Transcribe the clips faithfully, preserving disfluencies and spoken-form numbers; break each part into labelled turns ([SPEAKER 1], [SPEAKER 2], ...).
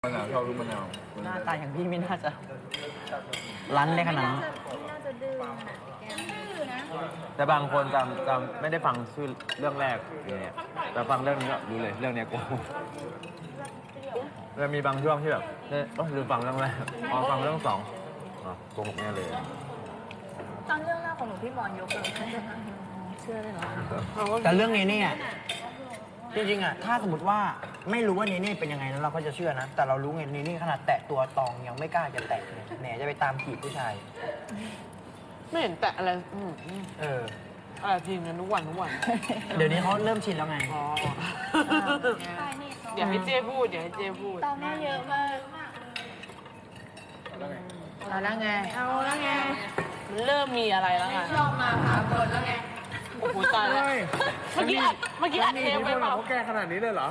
[SPEAKER 1] มะนาวชอบลูกมะนาว
[SPEAKER 2] หน้าตาอย่างพี่ไม่น่าจะรั้นได้ขนาดนั้น
[SPEAKER 3] ไม่น่าจะดื้อขนาดแกไม่ดื้อนะ
[SPEAKER 4] แต่บางคนจำจำไม่ได้ฟังชื่อเรื่องแรกเนี่ยแต่ฟังเรื่องนี้ก็รู้เลยเรื่องเนี้ยกูแล้วมีบางช่วงที่แบบเนี่ยโอ๊ยลืมฟังเรื่องแรกอ๋อฟังเรื่องสองอ๋อโกหกแน่เลย
[SPEAKER 3] ตอนเรื่องแรกของหนูพี่บอลยกเลยเชื่อเลยเหรอ
[SPEAKER 2] แต่เรื่องนี้เนี่ยจริงๆอ่ะถ้าสมมติว่าไม่รู้ว่าเนเน่เป็นยังไงแล้วเราก็จะเชื่อนะ แต่เรารู้ไงเนเน่ขนาดแตะตัวตองยังไม่กล้าจะแตะเลยแหนจะไปตามจีบผู้ชาย
[SPEAKER 5] ไม่เห็นแตะอะไรอืมอืม
[SPEAKER 2] เออ
[SPEAKER 5] อะไรจริงกันทุกวันทุกวัน
[SPEAKER 2] เดี๋ยวนี้เขาเริ่มชินแล้วไง
[SPEAKER 5] อ๋อ
[SPEAKER 3] ใช่นี่
[SPEAKER 5] เดี๋ยวให้เจ้พูดเดี๋ยวให้เจ้พูด
[SPEAKER 3] ตองแม่เยอะมาก
[SPEAKER 5] เอาแล้วไง
[SPEAKER 3] เอาแล้วไง
[SPEAKER 5] มันเริ่มมีอะไรแล้วไง
[SPEAKER 3] ลองมาพาคนแล้วไง
[SPEAKER 5] โอ้โหตายแล้วเมื่อกี้อัดเมื่อกี้อัดเทปไปเปล่า
[SPEAKER 1] เขาแก่ขนาดนี้เลยเหรอ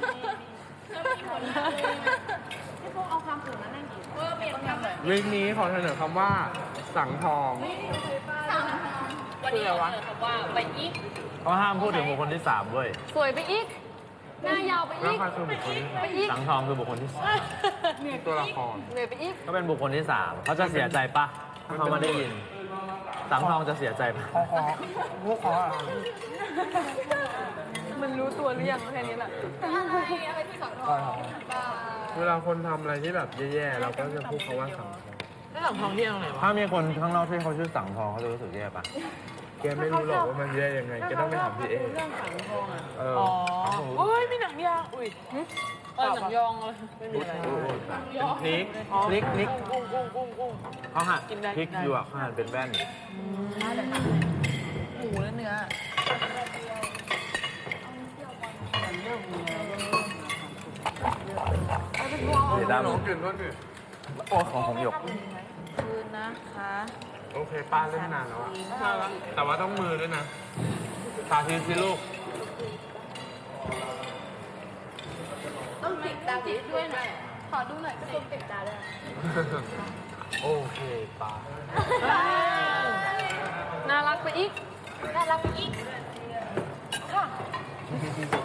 [SPEAKER 3] พี่พวกเอาความอื่นมานั่งกินเออเปลี่ยนคำเลย
[SPEAKER 1] วีคนี้ขอเสนอคำว่า สังทอง
[SPEAKER 5] คืออะไรวะ
[SPEAKER 4] เขาห้ามพูดถึงบุคคลที่สามเว้ย
[SPEAKER 3] สวยไปอีก หน้ายาวไป
[SPEAKER 1] แล้ว
[SPEAKER 3] อีก
[SPEAKER 1] ใครคือบุคคลที่สาม
[SPEAKER 3] ไปอีก
[SPEAKER 4] สังทองคือบุคคลที่สาม
[SPEAKER 1] ตัวละคร
[SPEAKER 3] เหนื่อยไปอีก
[SPEAKER 4] ก็เป็นบุคคลที่สามเขาจะเสียใจปะถ้าเขามาได้ยิน สังทองจะเสียใจปะ
[SPEAKER 2] ขอขอลูกขอ
[SPEAKER 3] มันรู้ตัวหรือยังแค่นี้แหละอะไรที่สอน
[SPEAKER 2] ขอขอ
[SPEAKER 1] เวลาคนทำอะไรที่แบบแย่ๆเราก็จะพูดคำว่าสังทอง
[SPEAKER 5] แล้วหลังทองที่ตรงไหนวะ
[SPEAKER 4] ถ้ามีคนข้างนอกที่เขาชื่อสังทองเขาจะรู้สึกแย่ปะ
[SPEAKER 1] แกไม่รู้หรอกว่ามันแย่ยังไงแกต้องไปถามพี่เอ
[SPEAKER 5] เรื่องสังทองอ่ะ
[SPEAKER 1] เออ
[SPEAKER 5] อ๋อ
[SPEAKER 1] เอาหู
[SPEAKER 5] โอ้ยมีหนังยางอุ้ยเออหนังยองเลยไม่มีอะไร
[SPEAKER 1] พริก
[SPEAKER 5] อ๋อ
[SPEAKER 4] พริกพริก
[SPEAKER 5] กุ้งกุ้งกุ้งกุ้ง
[SPEAKER 4] เขาหั่น
[SPEAKER 5] กินได้
[SPEAKER 4] พริก
[SPEAKER 5] กินได้
[SPEAKER 4] หยวกเขาหั่นเป็นแว่น
[SPEAKER 5] หมูและเนื้อมันเริ่มมีแล้ว
[SPEAKER 4] เดี๋ยวด
[SPEAKER 1] น้องกินด้วยดิ
[SPEAKER 4] ำโอ้ของของหยก
[SPEAKER 5] คืนนะคะ
[SPEAKER 1] โอเคป้าเล่นนานแล้วอะแต่ว่าต้องมือด้วยนะสาธิตสิลูก
[SPEAKER 3] ต้องปิดตาด้วยหน่อยขอดูหน่อยก็ต้องปิดตาด้วย
[SPEAKER 1] โอเคป้า
[SPEAKER 3] น่ารักไปอีก น่ารักไปอีก ค่ะ